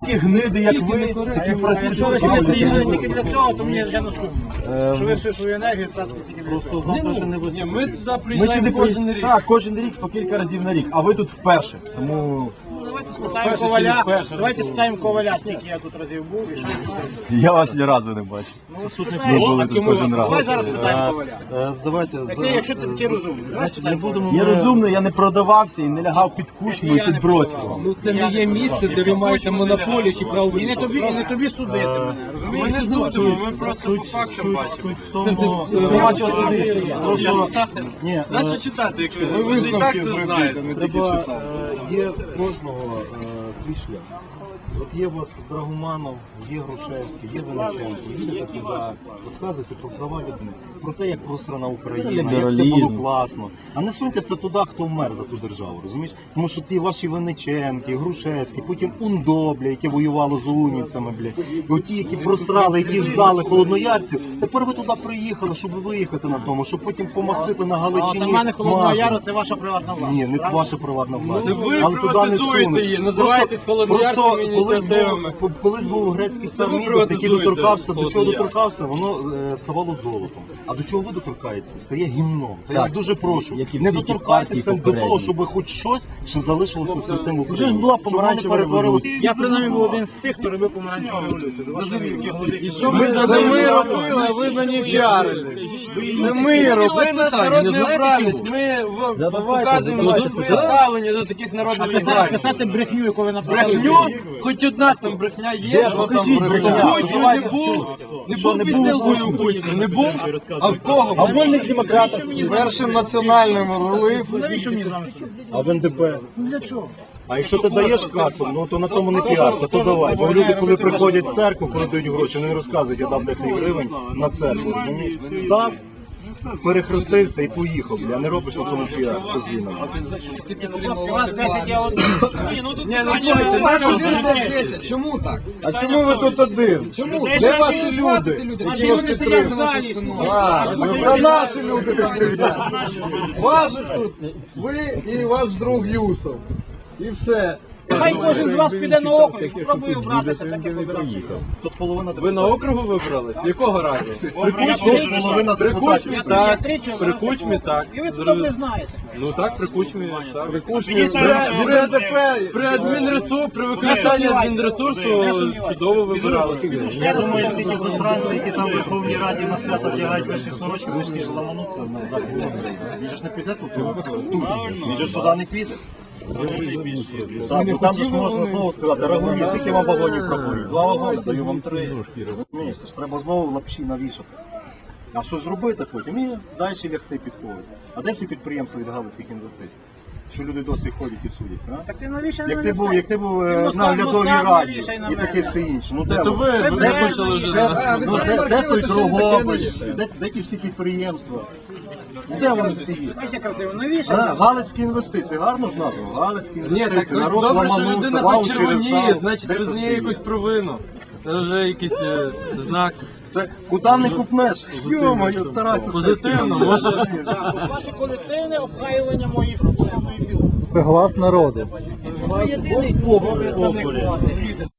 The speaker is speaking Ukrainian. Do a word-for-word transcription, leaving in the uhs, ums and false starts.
Такі гниди, як ви, які Якщо ви сюди приїхали тільки для цього, то мені вже не сумно. Що ви всю свою енергію тратите тільки для цього. завтра ще не виступили. Ми сюди Ми приїжджаємо сюди кожен рік. Так, кожен рік по кілька разів на рік, а ви тут вперше. Тому Давайте спитаємо Перше чи Коваля, не перше? давайте спитаємо Коваля, скільки я тут разів був і що він знає. я вас ні разу не бачив. Ну, Ми спитаємо. були а тут чому кожен вас- Давай раз. зараз спитаємо Коваля. Е, Давайте, Такий, якщо ти такий розумний, давай не спитаємо. будемо Я ми- розумний, я не продавався і не лягав під Кучму і під Бродського. Ну це не є місце, де ви маєте монополію чи право. І не тобі, і не тобі судити мене, Ми розумієш? не зусимо, ми просто по фактам бачимо. Суть в тому, Нема чого судити. просто, ні, е, Нащо читати, як ви? Ви ж і так це знаєте. треба, е, є в кожного е, свій шлях. От є у вас Драгоманов, є Грушевський, є Винниченко, їдете туди, розказуйте про права людини, про те, як просрана Україна, як все Лібералізм. було класно. А не суньтеся туди, хто вмер за ту державу, розумієш? Тому що ті ваші Винниченки, Грушевські, потім УНДО, бля, яке воювало з унівцями, бля, і оті, які просрали, які здали холодноярців, тепер ви туди приїхали, щоб виїхати на тому, щоб потім помастити на А от Галичині. у мене Холодного масло. Яру це ваша приватна власність. Ні, не правда? ваша приватна власність. Це ви Але туди не приватизуєте сунуть. її, називаєтесь холодноярськими Просто колись ініціативами. був, колись був грецький цар ви Мідас, який приватизуєте доторкався, до чого Холоднояр. доторкався, воно е, ставало золотом. А до чого ви доторкаєтеся? Стає гімном. То я Так, вас дуже прошу, як і не всі ті доторкайтеся партії до того, попередні. щоб хоч щось ще залишилося святим в Вже ж Україні. була Щоб воно не помаранчева перетворилося. Я принаймні був один з тих, хто робив помаранчеву революцію. До вашого І що ми Це зробили? ми робили, а ви на ній піарили. Це ми робили. Ви наш народний обранець, ми в- Задавайте, показуємо задавайте своє питання. ставлення до таких народних Писати, обранців. писати брехню, яку ви написали. Брехню? Хоч одна там брехня є. Де? Покажіть брехня. Путін не був, не був підстилкою у Путіна, не був, а в кого? А вольник демократ. Першим національним рулив, Навіщо мені з вами спілкуватися? а в ен де пе. Ну для чого? А якщо ти даєш касу, ну то на тому не піарся, то давай. Бо люди, коли приходять в церкву, коли дають гроші, вони не розказують, я дав десять гривень на церкву, розумієш? Дав, перехрестився і поїхав, я не робиш на тому піар, дозвільно. У вас десять я один. Ні, ну тут Ні, ну слухайте, нас один за десять. Чому так? А чому ви тут один? Чому? Де ваші люди? Наші люди сидять в залі. А, це наші люди тут сидять. Ваші тут, ви і ваш друг Юсов. І все. Хай кожен з вас піде на округ, спробує обратися, так як вибирав. Тут половина Ви на округу вибрались? Якого разу? Тут половина При Кучмі депутатів. так, три чоловіка. при Кучмі так. І ви це добре знаєте. Ну так, при Кучмі так. При Кучмі. Мені При, це- при, АДП, при адмінресурсу, при використанні адмінресурсу чудово вибирали. Я думаю, всі ті засранці, які там в Верховній Раді на свято вдягають вишні сорочки, вони всі ж ламануться на захід. Він же ж не піде тут, тут. Він же ж сюди не піде. Так, бо там же ж можна знову сказати, Рагуні, скільки вам вагонів пропонують? Два вагони, даю вам три. Ні, це ж треба знову лапші навішати. А що зробити потім? І далі лягти під когось. А де всі підприємства від галицьких інвестицій? Що люди досі ходять і судяться, а? Так ти навіщо Як на ти мене був, все? як ти був е, Мосад, на оглядовій Мосад раді навішай на і мене. таке все інше. Ну де То воно? ви, ви Де- почали вже. Де, ну, де, де той Дрогобич? Де- Де, де ті всі підприємства? Ну, де вони всі є? Бачите, красиво, навіщо? А, Галицькі інвестиції, гарно ж названо? Галицькі Ні, так інвестиції, народ добре, що ламанувся, людина вау, хоч через червоніє, зал. значить Де це визнає все є? якусь провину. Це вже якийсь е, знак. Це куди не купнеш? Йо-моє, Тарасі. Позитивно, може. Так, ваше колективне обхаювання моїх моєї фігури. Це глас народу. Ви єдиний представник влади.